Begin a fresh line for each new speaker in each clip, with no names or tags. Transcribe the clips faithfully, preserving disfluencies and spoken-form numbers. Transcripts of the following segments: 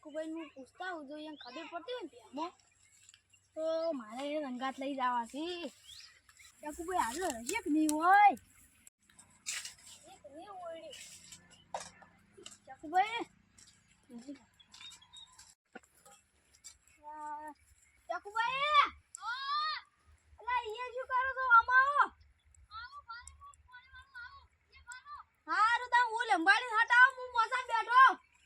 ચકુભાઈ નું પૂછતા હું જો એને ખબર પડતી હોય ને ત્યાંમાં તો મારે રંગાત લઈ જવા છે. ચકુભાઈ હાલો હશે કે નહીં હોય? નહીં હોય ચકુભાઈ. ચકુભાઈ અલા અહીંયા શું કરો છો? આમાં હારું તા હું લંબાડી હટાવ હું મોસા બેઠો.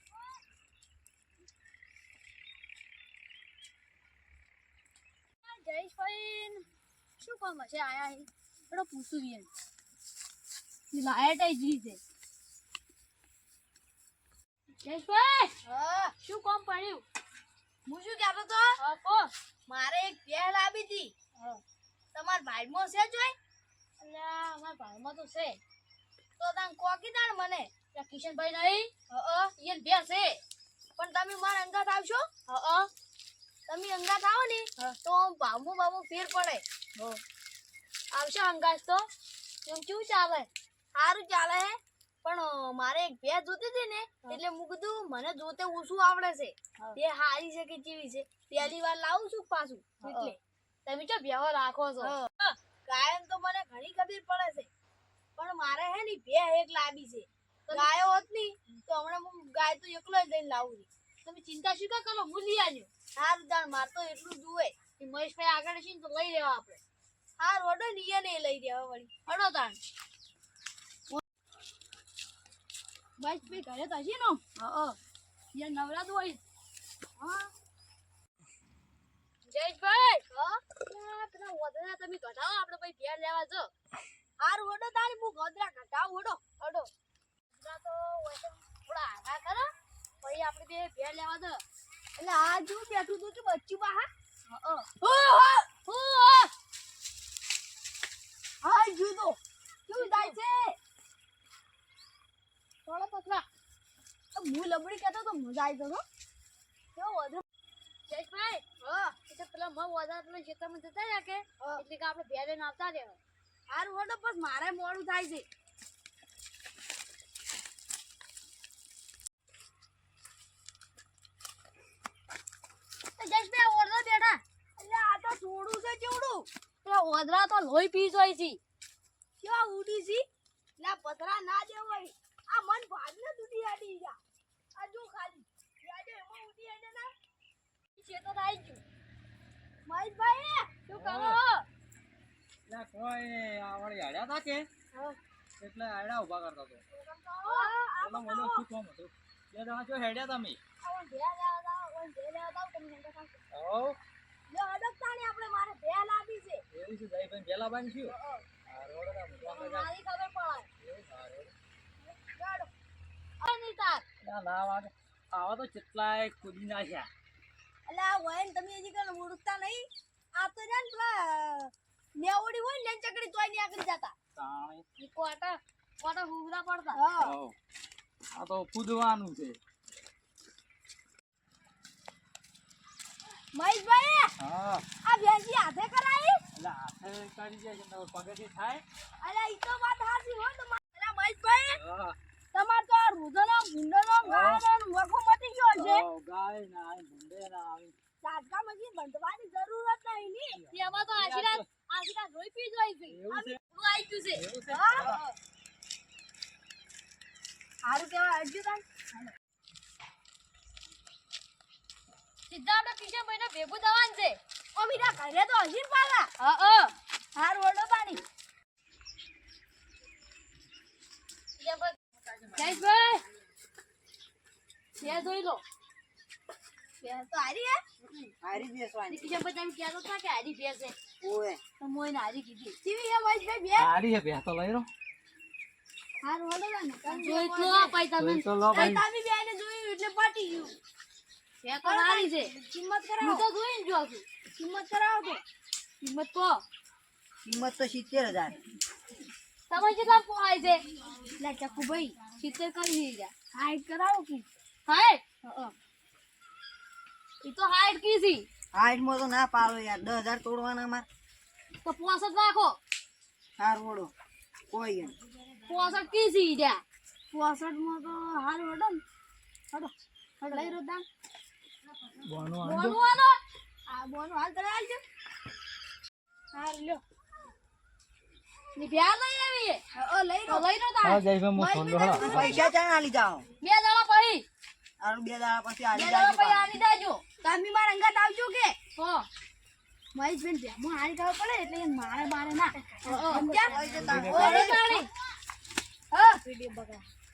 જયેશભાઈ શું કામ હશે આયા હે? થોડો પૂછું યે લાઈટ આઈ જી છે. જયેશભાઈ હા શું કામ પડ્યું? હું શું કહેતો તો હા કો મારે એક ભેળ લાવી હતી. હા તમાર ભાઈમાં છે જોઈ? અલ્યા અમાર ભાઈમાં તો છે. તો તાન કોકી તાણ મને કિશનભાઈ નહીં અ ઈયન બે છે પણ તમે માર અંગાત આવશો? અ તમે અંગાત આવો ને તો બામુ બામુ ફેર પડે. હો આવશો અંગાત તો એમ કેવું ચાલે? સારું ચાલે હે પણ મારે એક ભેજ જોતી હતી ને એટલે હું કીધું મને જોતે ઓછું આવડે છે તે હારી છે કે કેવી છે પહેલી વાર લાવું છું પાછું એટલે તમે જો બેહો રાખો છો. ગાયન તો મને ઘણી ખબર પડે છે પણ મારે હે ની બે એક લાવી છે. ગાયો હોત ની તો હમણાં હું ગાય તો એકલો જ લઈને લાવું છું. તમે ચિંતા શું કા કરો? હું લઈ આવ્યો. સારું દાણ માર તો એટલું જુએ કે મહેશભાઈ આગળ છે ને તો લઈ લેવા આપણે. હા રોડો નિયે ને લઈ દેવા વળી હડો તાણ. મહેશભાઈ ઘરે તો હશે ને? હા યાર નવરાત હોય. હા જયેશભાઈ હા પેલા વધરા તમે ઘટાડો આપણે ભાઈ ઘેર લેવા જો. હારું હડો તારી હું ગોદરા ઘટાવ હડો હડો ગોદરા તો હોય થોડા આગા કરો પછી આપણે બે ઘેર લેવા દો. એટલે આ જો બેઠું તું કે બચ્ચું બા હા હા જો તો કેવું થાય છે? થોડો પકડા હું લબડી કહેતો તો મજા આવી જતો કેવો વધુ. જયેશભાઈ હા એટલે પેલા મ વધા પેલા ખેતરમાં જતા રહ્યા કે એટલે કે આપણે બે લઈને આવતા રહ્યા. હારું હડો બસ મારે મોડું થાય છે. જયેશભાઈ ઓરડા બેઠા એટલે આ તો થોડું છે જેવડું પેલા ઓદરા તો લોહી પી જોઈ છે. કેવા ઉડી છે એટલે પથરા ના દેવાય. આ મન ભાગ ને દૂધી આડી જા આ જો ખાલી યાદે એમાં ઉડી આડે ના છે તો આવી ગયું. મહેશભાઈ શું કરો?
લા કોઈ આવડી હાડ્યા તા કે એટલે આડા ઉભા કરતા તો બોલો બોલો શું કામ હતું? બે જણા જો હેડ્યા તમે?
આવન ભેળ લેવા જાવ ઓન ભેળ લેવા જાવ તમે સંગા સાચો.
હો
લે અડકતાની આપણે મારે ભેળ લાવી છે.
એવું છે જઈ ભાઈ ભેલા બાંધ છું. હા રોડ ના મુકવા જા.
મારી ખબર પડે.
એવું સારું.
ગાડો અની તાર
ના ના વાગે આવા તો કેટલાય કૂદી નાખ્યા.
એટલે આ વયન તમે હજી કણ ઉડકતા નહીં. આ તો જાન પેલા નેવડી હોય ને ચકડી તોય ની આગળ જતા.
તાણે
ઈ કોટા કોટા હુગરા પડતા. હા
હો આ તો કૂદવાનું છે.
મહેશભાઈ
હા
આ ભેંસી હાથે કરાઈ?
એટલે હાથે કાઢી જાય છે તો પગેથી થાય.
અરે ઈ તો વાત હાચી હો તમાર. અલા મહેશભાઈ
હા
તમાર તો આ રૂદનો ગુંડનો ગાયનો વખો મટી ગયો છે.
ઓ ગાય ના આવે ભૂંડે ના આવે.
દાદકા મજી બંધવાની જરૂરત નહીં ની. તેમાં તો આશીર્વાદ આશીર્વાદ રોઈ પી જોઈ છે.
એવું છે?
હું આવી ગયું છે.
એવું છે?
હા હારું કેવા અડજો તાન. સીધા આપણે કિશનભાઈ ને ભેગું દવાન છે. ઓ મીરા ઘરે તો હજી પાલા. હા હા હારું ઓડો તાની. જયેશભાઈ બે જોઈ લો. બે તો હારી હે?
હારી બેસવાની.
કિશનભાઈ તમે કહેતો હતા કે હારી બે છે.
ઓએ
તો મોઈને હારી કીધી. કેવી હે મહેશભાઈ બે?
હારી હે બે તો લઈ રો.
હારું ઓડો તાની. જોઈ તો અપાઈ તમે.
જોઈ તો લો ભાઈ.
તમે બેને જોયું એટલે પાટી ગયું. બે તો હારી છે. કિંમત કરાવો. હું તો જોઈને જો છું. કિંમત કરાવો તો. કિંમત કો.
કિંમત તો સિત્તેર હજાર.
તમે કેટલા પોવાય છે? લે ચકુભાઈ સિત્તેર કરી દીધા. હાઈટ કરાવો કે? હાઈટ? હા એ તો હાઈટ કી છે.
હાઈટ માં તો ના પાડો યાર દસ હજાર તોડવાના માર.
તો પોસઠ રાખો.
હાર વડો કોઈ એમ
પોસઠ કી છે ઈડ્યા. પોસઠ માં તો હારું હડો ને. હડો હડો લઈ રો દામ.
બોનું
બોનું
આંધો
આલો આ બોનું હાલ કરે હાલ છે હા લ્યો ની પ્યાર લઈ આવી ઓ લઈ રો લઈ રો તા
હા જઈ હું ફોન લો
પૈસા ચાણ આલી જાઓ
બે દાડા પડી
આરું બે દાડા પછી
બે
આલી
દાડા
જાજો
પડી આની દાજો તમે મારા અંગાત આવજો કે હો મહેશ બેન બે હું હારી ગાવ પડે એટલે મારે મારે ના સમજ્યા ઓ રે તાણી હા વિડિયો બગા